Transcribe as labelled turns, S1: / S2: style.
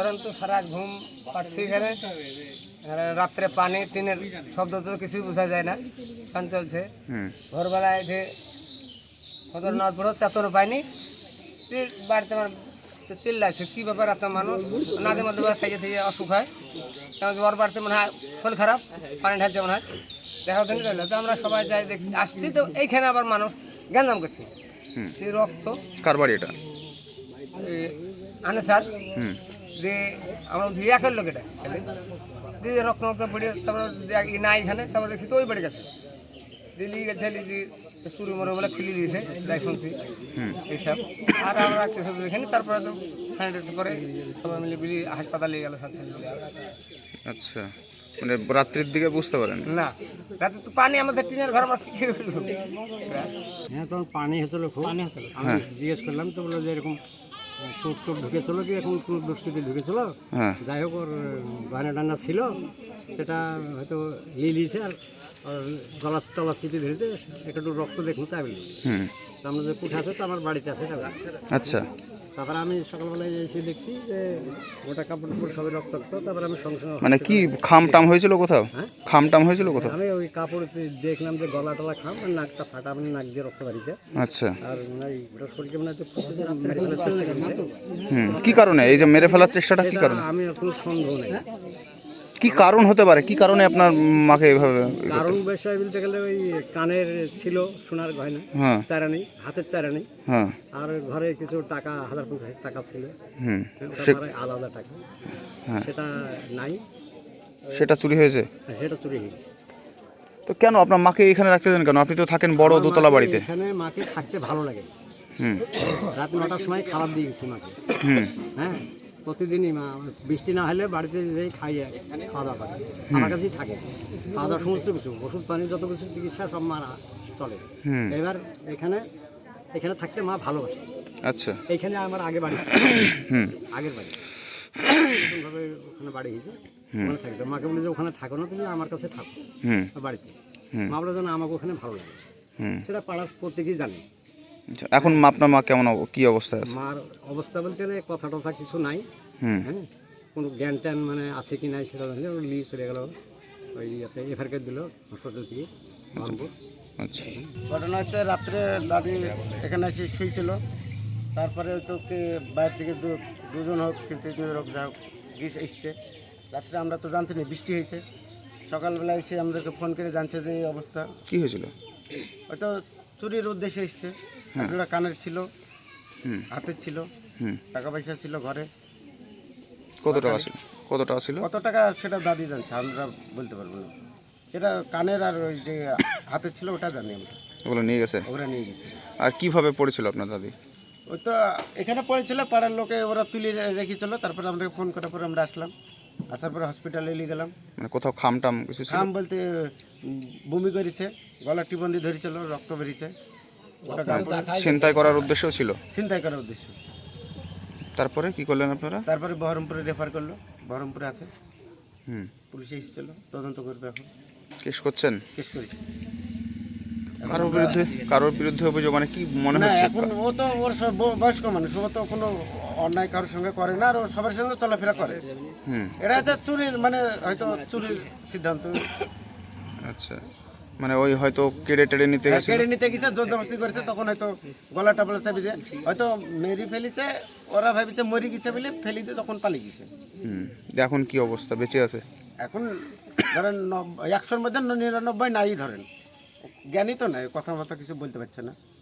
S1: তো সারা ঘুম পাচ্ছি এখানে। রাত্রে পানি টিনের শব্দ তো কিছুই বোঝা যায় না, ফ্যান চলছে। ভোরবেলায় এসে কত নড়পড় হচ্ছে, এত পাইনি। বাড়িতে আমার চিল্লাইছে কী ব্যাপার, এত মানুষ নাদের মধ্যে থেকে থেকে অসুখ হয়। কারণ ওর বাড়িতে মনে হয় শরীর খারাপ, পানি ঢালছে মনে হয়, দেখা দিন রইল। তো আমরা সবাই যাই দেখছি, আসছি তো এইখানে আবার মানুষ গ্যাঞ্জাম করছে। রক্ত
S2: কার বাড়ি এটা?
S1: আনে স্যার যে আমরা একের লোক এটা দিয়ে রক্ত মক্ত পড়ে, তারপরে না এখানে, তারপরে দেখছি তো ওই বেড়ে গেছে। দিল্লি গেছে দিদি চুরি মরে বলে খুলে দিয়েছে, তাই শুনছি এইসব। আর আমরা কিছু দেখিনি। তারপরে তো করে সবাই মিলে বিলি হাসপাতালে গেল সাথে।
S2: আচ্ছা, মানে রাত্রির দিকে বুঝতে পারেন
S1: না, রাতে তো পানি আমাদের টিনের ঘর, আমরা কি
S3: হ্যাঁ, তখন পানি হয়েছিল খুব। আমি জিজ্ঞেস করলাম তো বললো যে এরকম চোট টোট ঢুকেছিল কি, এখন কোনো দুষ্কৃতি ঢুকেছিল। যাই হোক, ওর গয়না টান্না ছিল, সেটা হয়তো লিয়েছে। আর গলা টলা চিঠি ধরেছে, একটু রক্ত দেখুন তাই বলি। তো আমরা যে কুঠে আছে তো আমার বাড়িতে আছে এটা।
S2: আচ্ছা,
S3: তারপরে আমি সকালবেলায় এসে দেখছি যে ওটা কাপড় টাপড় সবই রক্তাক্ত। তারপরে আমি সঙ্গে সঙ্গে
S2: মানে কি খামটাম হয়েছিল কোথাও? খামটাম হয়েছিল কোথাও?
S3: আমি ওই কাপড় দেখলাম যে গলা টলা খাম, আর নাকটা ফাটা, মানে নাক দিয়ে রক্ত বাড়িছে।
S2: আচ্ছা,
S3: আর ওটা শরীরকে মানে
S2: কি কারণে এই যে মেরে ফেলার চেষ্টাটা, কি কারণে?
S3: আমি কোনো সন্দেহ নেই
S2: কি কারণ হতে পারে, কি কারণে আপনার মাকে এইভাবে?
S3: কারণ বিষয় বলতে গেলে ওই কানের ছিল সোনার গয়না, চারানি, হাতের চারানি, আর ঘরে কিছু টাকা 1050 টাকা ছিল, আলাদা টাকা, সেটা নাই।
S2: সেটা চুরি হয়েছে?
S3: সেটা চুরি হয়েছে।
S2: তো কেন আপনার মাকে এখানে রাখতে দেন কেন? আপনি তো থাকেন বড় দোতলা বাড়িতে।
S3: এখানে মাকে থাকতে ভালো লাগে। রাত 9টার সময় খাবার দিয়ে গেছি মাকে। হ্যাঁ, প্রতিদিনই মা বৃষ্টি না হলে বাড়িতে যেই খাওয়া দাওয়া করে, আমার কাছেই থাকে। খাওয়া দাওয়া সমস্ত কিছু, ওষুধ পানি, যত কিছু চিকিৎসা সব মারা চলে। এবার এখানে থাকতে মা ভালোবাসে।
S2: আচ্ছা,
S3: এইখানে আমার আগে বাড়ি, আগের বাড়ি ভাবে ওখানে বাড়ি হয়েছে, ওখানে থাকতো। মাকে বলে যে ওখানে থাকো না, তুমি আমার কাছে থাকো বাড়িতে। মা বলে যেন আমাকে ওখানে ভালো লাগে, সেটা পাড়ার প্রত্যেকেই জানে।
S2: এখন আপনার মা কেমন, কি অবস্থায় আছে?
S3: মার অবস্থা বলতে গেলে কথা টথা কিছু নাই। হ্যাঁ, কোনো জ্ঞান ট্যান মানে আছে কি নাই সেটা জানি। ওর নিয়ে চলে গেল ওই এফআরকে দিল হাসপাতাল থেকে মানপুর।
S2: আচ্ছা,
S1: ঘটনা হচ্ছে রাত্রে দাদি এখানে এসে শুয়েছিল। তারপরে তো বাইরে থেকে দুজন হোক কিন্তু হোক যা হোক গ্রিস এসছে। রাত্রে আমরা তো জানছি না, বৃষ্টি হয়েছে। সকালবেলা এসে আমাদেরকে ফোন করে জানছে যে এই অবস্থা।
S2: কি হয়েছিল?
S1: হয়তো চুরির উদ্দেশ্যে এসছে। একটা কানের ছিল, হাতের ছিল, টাকা পয়সা ছিল ঘরে।
S2: কত টাকা ছিল? কত টাকা ছিল?
S1: কত টাকা সেটা দাদি জানছে, আমরা বলতে পারবো না। যেটা কানের আর ওই যে হাতের ছিল ওটা জানি আমরা।
S2: ওগুলো নিয়ে গেছে?
S1: ওরা নিয়ে গেছে।
S2: আর কিভাবে পড়েছিল আপনার দাদি?
S1: ওই তো এখানে পড়েছিল, পাড়ার লোকে ওরা তুলে রেখেছিল। তারপরে আমাদেরকে ফোন করার পরে আমরা আসলাম। আসার পরে হসপিটালে নিয়ে গেলাম।
S2: মানে কোথাও খামটাম কিছু ছিল?
S1: খাম বলতে বমি করেছে, গলা টিবন্দি ধরেছিল, রক্ত বেরিয়েছে। ওটা
S2: ছিনতাই করার উদ্দেশ্য ছিল?
S1: ছিনতাই করার উদ্দেশ্য।
S2: তারপরে কি করলেন আপনারা?
S1: তারপরে বহরমপুরে রেফার করলো, বহরমপুরে আছে। পুলিশে এসেছিল, তদন্ত করবে এখন।
S2: কেস করছেন?
S1: কেস করেছে।
S2: কারোর বিরুদ্ধে অভিযোগ মানে কি মনে হচ্ছে?
S1: এখন ও তো ওর বয়স্ক মানুষ, ও তো কোনো অন্যায় কারোর সঙ্গে করে না, আর ও সবার সঙ্গে চলাফেরা করে। এটা হচ্ছে চুরির, মানে হয়তো চুরির সিদ্ধান্ত।
S2: আচ্ছা, মানে ওই হয়তো কেড়ে টেড়ে নিতে গেছে,
S1: কেড়ে নিতে গেছে, জোরজবস্তি করেছে। তখন হয়তো গলা টাপলা চাপি দিয়ে হয়তো মেরি ফেলিছে। ওরা ভাবিছে মরি গেছে বলে ফেলি দিয়ে তখন পালিয়ে গেছে।
S2: এখন কি অবস্থা, বেঁচে আছে?
S1: এখন ধরেন 100-র মধ্যে 99 নাই ধরেন। জ্ঞানী তো নাই, কথাবার্তা কিছু বলতে পারছে না।